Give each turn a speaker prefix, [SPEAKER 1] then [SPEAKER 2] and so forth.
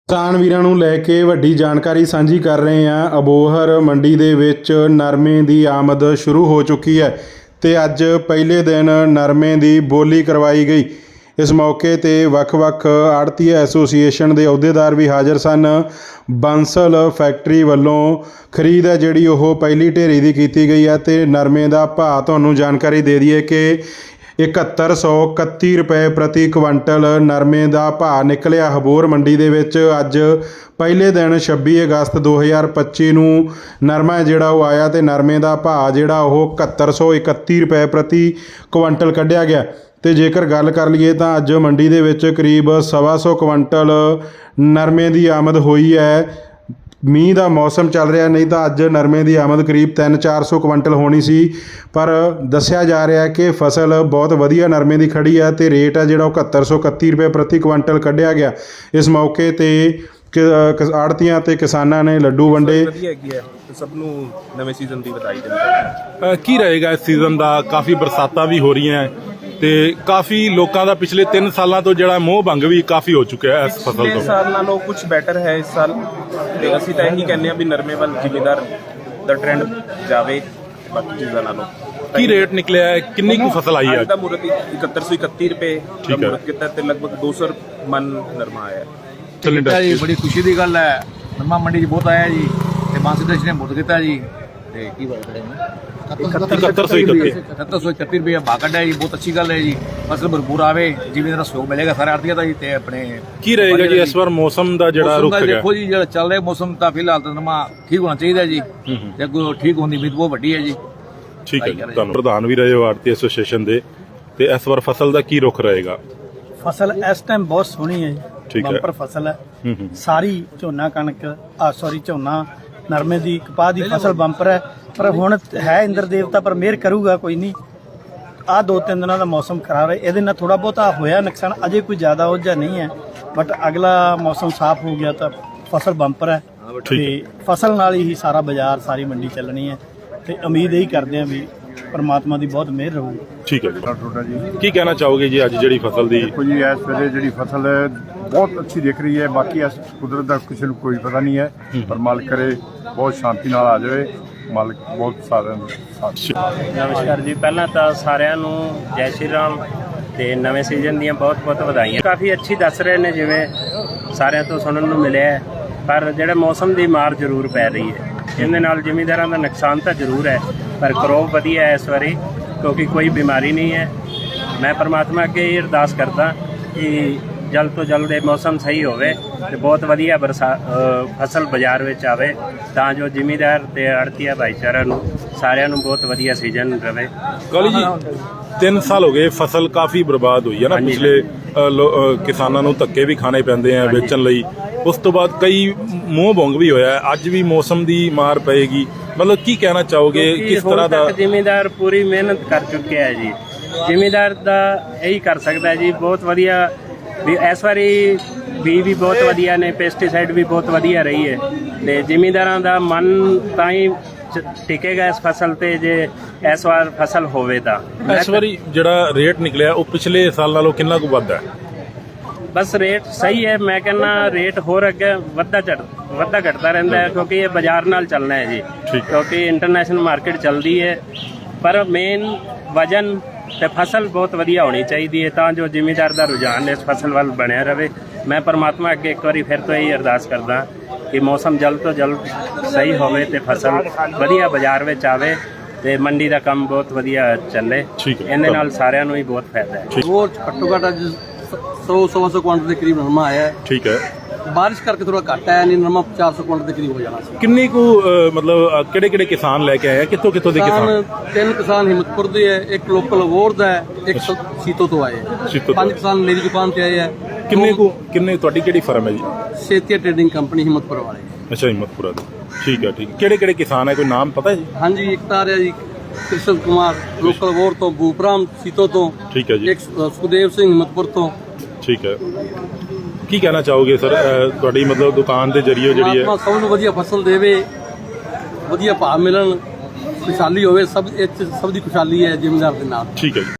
[SPEAKER 1] ਕਿਸਾਨ ਵੀਰਾਂ ਨੂੰ ਲੈ ਕੇ ਵੱਡੀ ਜਾਣਕਾਰੀ ਸਾਂਝੀ ਕਰ ਰਹੇ ਹਾਂ। ਅਬੋਹਰ ਮੰਡੀ ਦੇ ਵਿੱਚ ਨਰਮੇ ਦੀ ਆਮਦ ਸ਼ੁਰੂ ਹੋ ਚੁੱਕੀ ਹੈ ਤੇ ਅੱਜ ਪਹਿਲੇ ਦਿਨ ਨਰਮੇ ਦੀ ਬੋਲੀ ਕਰਵਾਈ ਗਈ। ਇਸ ਮੌਕੇ ਤੇ ਵੱਖ-ਵੱਖ ਆੜ੍ਹਤੀਆ ਐਸੋਸੀਏਸ਼ਨ ਦੇ ਅਹੁਦੇਦਾਰ ਵੀ ਹਾਜ਼ਰ ਸਨ। ਬੰਸਲ ਫੈਕਟਰੀ ਵੱਲੋਂ ਖਰੀਦ ਹੈ ਜਿਹੜੀ ਉਹ ਪਹਿਲੀ ਢੇਰੀ ਦੀ ਕੀਤੀ ਗਈ ਹੈ ਤੇ ਨਰਮੇ ਦਾ ਭਾਅ ਤੁਹਾਨੂੰ ਜਾਣਕਾਰੀ ਦੇ ਦਈਏ ਕਿ 7131 रुपए प्रति क्विंटल नरमे का भाव निकलिया अबोहर मंडी दे विच। अज पहले दिन 26 अगस्त 2025 नूं नरमा जिहड़ा वो आया तो नरमे का भाव जिहड़ा वो 7131 रुपए प्रति क्विंटल कढ़िया गया। तो जेकर गल कर लीए तो अज मंडी दे विच करीब 125 क्विंटल नरमे की आमद हुई है। मीह का मौसम चल रहा, नहीं तो अज नरमे की आमद करीब 300-400 क्विंटल होनी सी, पर दस्सिया जा रहा है कि फसल बहुत वधिया नरमे की खड़ी है तो रेट है जो 7131 रुपए प्रति क्विंटल कढ़िया गया। इस मौके पर आड़तियां ते किसानां ने लड्डू वंडे।
[SPEAKER 2] सब नूं नवें सीजन की बधाई दिंदा। की रहेगा इस सीजन का? काफ़ी बरसातां भी हो रही हैं ਤੇ ਕਾਫੀ ਲੋਕਾਂ ਦਾ ਪਿਛਲੇ 3 ਸਾਲਾਂ ਤੋਂ ਜਿਹੜਾ ਮੋਹ ਭੰਗ ਵੀ ਕਾਫੀ ਹੋ ਚੁੱਕਿਆ ਹੈ ਇਸ ਫਸਲ ਤੋਂ। ਪਿਛਲੇ ਸਾਲ ਨਾਲੋਂ ਕੁਝ ਬੈਟਰ ਹੈ ਇਸ ਸਾਲ ਤੇ ਅਸੀਂ ਤਾਂ ਇਹੀ ਕਹਿੰਦੇ ਆ ਵੀ ਨਰਮੇ ਵੱਲ ਜ਼ਿਮੀਦਾਰ ਦਾ ਟ੍ਰੈਂਡ ਜਾਵੇ ਬਾਕੀ ਚੀਜ਼ਾਂ ਨਾਲੋਂ। ਕੀ ਰੇਟ ਨਿਕਲਿਆ ਹੈ? ਕਿੰਨੀ ਕੁ ਫਸਲ ਆਈ ਹੈ? ਅੱਜ ਦਾ ਮੁਰਤ 7131 ਰੁਪਏ ਦਾ ਮੁਰਤ ਕੀਤਾ ਤੇ ਲਗਭਗ 200 ਮਨ ਨਰਮਾ ਆਇਆ।
[SPEAKER 3] ਜੀ ਬੜੀ ਖੁਸ਼ੀ ਦੀ ਗੱਲ ਹੈ। ਨਰਮਾ ਮੰਡੀ 'ਚ ਬਹੁਤ ਆਇਆ ਜੀ ਤੇ ਬਾਂਸੀ ਦੇਸ਼ ਨੇ ਮੁਰਤ ਕੀਤਾ ਜੀ ਤੇ ਕੀ ਬਾਤ ਕਰੇ 7131 रुपये भाव कढ़ा जी। बहुत अच्छी गल है जी। फसल भरपूर आवे, जिम्मेदार सहयोग मिलेगा सारे आड़तियां दा जी ते अपने की रहेगा जी इस बार मौसम दा जेड़ा रुख है। देखो जी जेड़ा चल रहा मौसम दा फिलहाल तो नरमा ठीक होना चाहिए जी ते अगों ठीक होने दी उम्मीद बहुत वड्डी है जी।
[SPEAKER 2] ठीक है, तुहानू प्रधान भी रहे हो आड़ती एसोसीएशन दे ते इस बार फसल दा की रुख रहेगा?
[SPEAKER 4] फसल इस टाइम बहुत सोहनी है जी, बंपर फसल है सारी। झोना कणक सॉरी झोना नरमे की कपाह की फसल बंपर है, पर हुण है इंद्र देवता पर मेहर करूगा कोई नहीं। आ 2-3 दिनों का मौसम खराब है, ये थोड़ा बहुता होया नुकसान, अजे कोई ज़्यादा उलझा नहीं है, बट अगला मौसम साफ हो गया तो फसल बंपर है ते फसल नाल ही सारा बाजार सारी मंडी चलनी है ते उम्मीद यही करते हैं भी परमात्मा की बहुत मेहर रहूगी।
[SPEAKER 2] ठीक है जी, की कहना चाहोगे जी अज जी फसल दी?
[SPEAKER 5] देखो जी इस वेले जी फसल बहुत अच्छी दिख रही है, बाकी इस कुदरत का किसी को कोई पता नहीं है, पर मालिक करे बहुत शांति नाल आ जाए। मालिक बहुत सारे
[SPEAKER 6] नमस्कार जी। पहला तो सारिਆਂ ਨੂੰ जय श्री राम ਤੇ ਨਵੇਂ ਸੀਜ਼ਨ ਦੀਆਂ ਬਹੁਤ-ਬਹੁਤ ਵਧਾਈਆਂ। ਕਾਫੀ ਅੱਛੀ ਦੱਸ ਰਹੇ ਨੇ ਜਿਵੇਂ ਸਾਰਿਆਂ ਤੋਂ ਸੁਣਨ ਨੂੰ ਮਿਲਿਆ, ਪਰ ਜਿਹੜਾ ਮੌਸਮ ਦੀ ਮਾਰ ਜ਼ਰੂਰ ਪੈ ਰਹੀ ਹੈ ਇਹਦੇ ਨਾਲ ਜ਼ਿਮੀਂਦਾਰਾਂ ਦਾ ਨੁਕਸਾਨ ਤਾਂ ਜ਼ਰੂਰ ਹੈ, ਪਰ ਕਰੋਪ ਵਧੀਆ ਹੈ ਇਸ ਵਾਰੀ ਕਿਉਂਕਿ ਕੋਈ ਬਿਮਾਰੀ ਨਹੀਂ ਹੈ। ਮੈਂ ਪਰਮਾਤਮਾ ਅੱਗੇ ਇਹ ਅਰਦਾਸ ਕਰਦਾ ਕਿ ਜਲਦ ਤੋਂ ਜਲਦ ਇਹ ਮੌਸਮ ਸਹੀ ਹੋਵੇ ਤੇ ਬਹੁਤ ਵਧੀਆ ਫਸਲ ਬਾਜ਼ਾਰ ਵਿੱਚ ਆਵੇ ਤਾਂ ਜੋ ਜ਼ਿਮੀਂਦਾਰ ਤੇ ਆੜ੍ਹਤੀਆ ਭਾਈਚਾਰਾ ਨੂੰ ਸਾਰਿਆਂ ਨੂੰ ਬਹੁਤ ਵਧੀਆ ਸੀਜ਼ਨ ਰਵੇ।
[SPEAKER 2] ਕਾਲੀ ਜੀ 3 ਸਾਲ ਹੋ ਗਏ ਫਸਲ ਕਾਫੀ ਬਰਬਾਦ ਹੋਈ ਹੈ ਨਾ। ਪਿਛਲੇ ਕਿਸਾਨਾਂ ਨੂੰ ਧੱਕੇ ਵੀ ਖਾਣੇ ਪੈਂਦੇ ਆ ਵੇਚਣ ਲਈ, ਉਸ ਤੋਂ ਬਾਅਦ ਕਈ ਮੋਹ ਭੰਗ ਵੀ ਹੋਇਆ। ਅੱਜ ਵੀ ਮੌਸਮ ਦੀ ਮਾਰ ਪਏਗੀ, ਮਤਲਬ ਕੀ ਕਹਿਣਾ ਚਾਹੋਗੇ ਕਿਸ ਤਰ੍ਹਾਂ ਦਾ?
[SPEAKER 6] ਜ਼ਿਮੀਂਦਾਰ ਪੂਰੀ ਮਿਹਨਤ ਕਰ ਚੁੱਕਿਆ ਹੈ ਜੀ। ਜ਼ਿਮੀਂਦਾਰ ਦਾ ਇਹੀ ਕਰ ਸਕਦਾ ਜੀ। ਬਹੁਤ ਵਧੀਆ ਵੀ ਇਸ ਵਾਰੀ ਵੀ ਬਹੁਤ ਵਧੀਆ ਨੇ, ਪੈਸਟੀਸਾਈਡ ਵੀ ਬਹੁਤ ਵਧੀਆ ਰਹੀ ਹੈ ਤੇ ਜ਼ਿਮੀਂਦਾਰਾਂ ਦਾ ਮਨ ਤਾਂ ਹੀ ਟਿਕੇਗਾ ਇਸ ਫਸਲ ਤੇ ਜੇ ਇਸ ਵਾਰ ਫਸਲ ਹੋਵੇ ਤਾਂ।
[SPEAKER 2] ਇਸ ਵਾਰੀ ਜਿਹੜਾ ਰੇਟ ਨਿਕਲਿਆ ਉਹ ਪਿਛਲੇ ਸਾਲ ਨਾਲੋਂ ਕਿੰਨਾ ਕੁ ਵੱਧ ਹੈ?
[SPEAKER 6] ਬਸ ਰੇਟ ਸਹੀ ਹੈ। ਮੈਂ ਕਹਿੰਦਾ ਰੇਟ ਹੋਰ ਅੱਗੇ ਵੱਧਦਾ ਘਟਦਾ ਰਹਿੰਦਾ ਹੈ ਕਿਉਂਕਿ ਇਹ ਬਾਜ਼ਾਰ ਨਾਲ ਚੱਲਣਾ ਹੈ ਜੀ, ਕਿਉਂਕਿ ਇੰਟਰਨੈਸ਼ਨਲ ਮਾਰਕੀਟ ਚੱਲਦੀ ਹੈ। ਪਰ ਮੇਨ ਵਜਨ ਤੇ ਫਸਲ ਬਹੁਤ ਵਧੀਆ ਹੋਣੀ ਚਾਹੀਦੀ ਹੈ ਤਾਂ ਜੋ ਜ਼ਿਮੀਂਦਾਰ ਦਾ ਰੁਝਾਨ ਇਸ ਫਸਲ ਵੱਲ ਬਣਿਆ ਰਹੇ। ਮੈਂ ਪਰਮਾਤਮਾ ਅੱਗੇ ਇੱਕ ਵਾਰੀ ਫਿਰ ਤੋਂ ਇਹ ਅਰਦਾਸ ਕਰਦਾ ਕਿ ਮੌਸਮ ਜਲਦ ਤੋਂ ਜਲਦ ਸਹੀ ਹੋਵੇ ਤੇ ਫਸਲ ਵਧੀਆ ਬਾਜ਼ਾਰ ਵਿੱਚ ਆਵੇ ਤੇ ਮੰਡੀ ਦਾ ਕੰਮ ਬਹੁਤ ਵਧੀਆ ਚੱਲੇ। ਇਹਦੇ ਨਾਲ ਸਾਰਿਆਂ ਨੂੰ ਹੀ ਬਹੁਤ ਫਾਇਦਾ ਹੈ।
[SPEAKER 3] ਉਹ ਘੱਟੋ ਘੱਟ ਅੱਜ 100-125 ਕੁਇੰਟਲ ਦੇ ਕਰੀਬ ਨਰਮਾ ਆਇਆ ਹੈ।
[SPEAKER 2] ਠੀਕ ਹੈ,
[SPEAKER 3] ਬਾਰਿਸ਼ ਕਰਕੇ ਥੋੜਾ ਘੱਟ ਆਇਆ, ਨਹੀਂ ਨਰਮਾ 400 ਕੁਇੰਟਲ ਦੇ ਕਰੀਬ ਹੋ ਜਾਣਾ ਸੀ।
[SPEAKER 2] ਕਿੰਨੀ ਕੁ ਮਤਲਬ ਕਿਹੜੇ ਕਿਸਾਨ ਲੈ ਕੇ ਆਏ? ਕਿੱਥੋਂ ਦੇ ਕਿਸਾਨ?
[SPEAKER 3] 3 ਕਿਸਾਨ ਹਿੰਮਤਪੁਰ ਦੇ ਹੈ, ਇੱਕ ਲੋਕਲ ਅਬੋਹਰ ਦਾ ਹੈ, ਇੱਕ ਸੀਤੋ ਤੋਂ ਆਏ। 5 ਕਿਸਾਨ ਮੇਰੀ ਦੁਕਾਨ ਤੇ ਆਏ ਹੈ।
[SPEAKER 2] ਕਿੰਨੇ ਤੁਹਾਡੀ ਕਿਹੜੀ ਫਰਮ ਹੈ ਜੀ?
[SPEAKER 3] ਸੇਤੀਆ ਟ੍ਰੇਡਿੰਗ ਕੰਪਨੀ ਹਿੰਮਤਪੁਰ ਵਾਲੇ।
[SPEAKER 2] ਅੱਛਾ, ਹਿੰਮਤਪੁਰਾ ਦੇ। ਠੀਕ ਹੈ, ਕਿਹੜੇ ਕਿਸਾਨ ਹੈ? ਕੋਈ ਨਾਮ ਪਤਾ ਹੈ ਜੀ?
[SPEAKER 3] ਹਾਂਜੀ, ਇੱਕ ਤਾਂ ਆ ਰਿਹਾ ਜੀ ਕ੍ਰਿਸ਼ਨ ਕੁਮਾਰ ਲੋਕਲ ਅਬੋਹਰ ਤੋਂ, ਭੂਪਰਾਮ ਸੀਤੋ ਤੋਂ।
[SPEAKER 2] ਠੀਕ ਹੈ ਜੀ।
[SPEAKER 3] ਇੱਕ ਸੁਖਦੇਵ ਸਿੰਘ ਹਿੰਮਤਪੁਰ ਤੋਂ।
[SPEAKER 2] ਠੀਕ ਹੈ, ਕੀ ਕਹਿਣਾ ਚਾਹੋਗੇ ਸਰ ਤੁਹਾਡੀ ਮਤਲਬ ਦੁਕਾਨ ਦੇ ਜਰੀਏ ਜਿਹੜੀ ਹੈ
[SPEAKER 3] ਸਭ ਨੂੰ ਵਧੀਆ ਫਸਲ ਦੇਵੇ, ਵਧੀਆ ਭਾਅ ਮਿਲਣ, ਖੁਸ਼ਹਾਲੀ ਹੋਵੇ, ਸਭ ਦੀ ਖੁਸ਼ਹਾਲੀ ਹੈ ਜ਼ਿਮੀਂਦਾਰ ਦੇ ਨਾਲ।
[SPEAKER 2] ਠੀਕ ਹੈ ਜੀ।